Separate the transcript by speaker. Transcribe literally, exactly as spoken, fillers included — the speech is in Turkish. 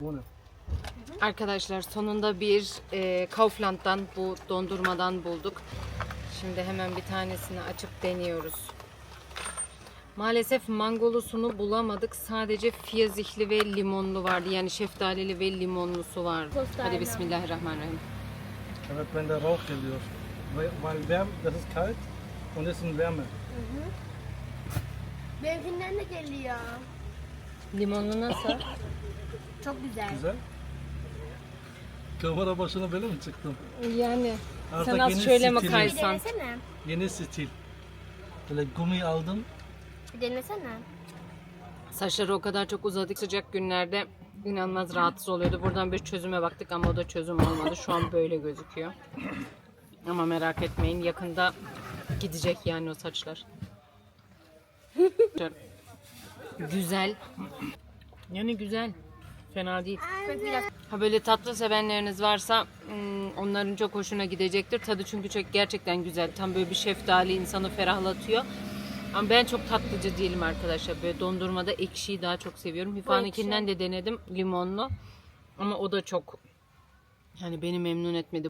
Speaker 1: Arkadaşlar sonunda bir e, Kaufland'dan bu dondurmadan bulduk. Şimdi hemen bir tanesini açıp deniyoruz. Maalesef mangolusunu bulamadık. Sadece fiyazihli ve limonlu vardı. Yani şeftalili ve limonlusu vardı.
Speaker 2: Tostarlı.
Speaker 1: Hadi bismillahirrahmanirrahim.
Speaker 3: Evet, wenn der Rauch geliyor. Weil weil wärm, das ist kalt und das ist ein Wärme.
Speaker 2: Benimkinden de geliyor.
Speaker 1: Limonlu nasıl?
Speaker 2: Çok güzel.
Speaker 3: Güzel. Kamera başına böyle mi çıktım?
Speaker 1: Yani
Speaker 3: Artık
Speaker 1: sen az
Speaker 3: yeni
Speaker 1: şöyle mi
Speaker 3: stili.
Speaker 2: Bir
Speaker 1: kaysan?
Speaker 2: denesene.
Speaker 3: Yeni stil. Böyle gumi aldım.
Speaker 2: Bir denesene.
Speaker 1: Saçları o kadar çok uzadık sıcak günlerde inanılmaz rahatsız oluyordu. Buradan bir çözüme baktık ama o da çözüm olmadı. Şu an böyle gözüküyor. Ama merak etmeyin yakında gidecek yani o saçlar. Güzel. Yani güzel. Fena değil.
Speaker 2: Çok biraz
Speaker 1: Ha böyle tatlı sevenleriniz varsa hmm, onların çok hoşuna gidecektir. Tadı çünkü çok gerçekten güzel. Tam böyle bir şeftali insanı ferahlatıyor. Ama ben çok tatlıcı değilim arkadaşlar. Böyle dondurmada ekşiyi daha çok seviyorum. Hifa'nınkinden de denedim limonlu. Ama o da çok yani beni memnun etmedi.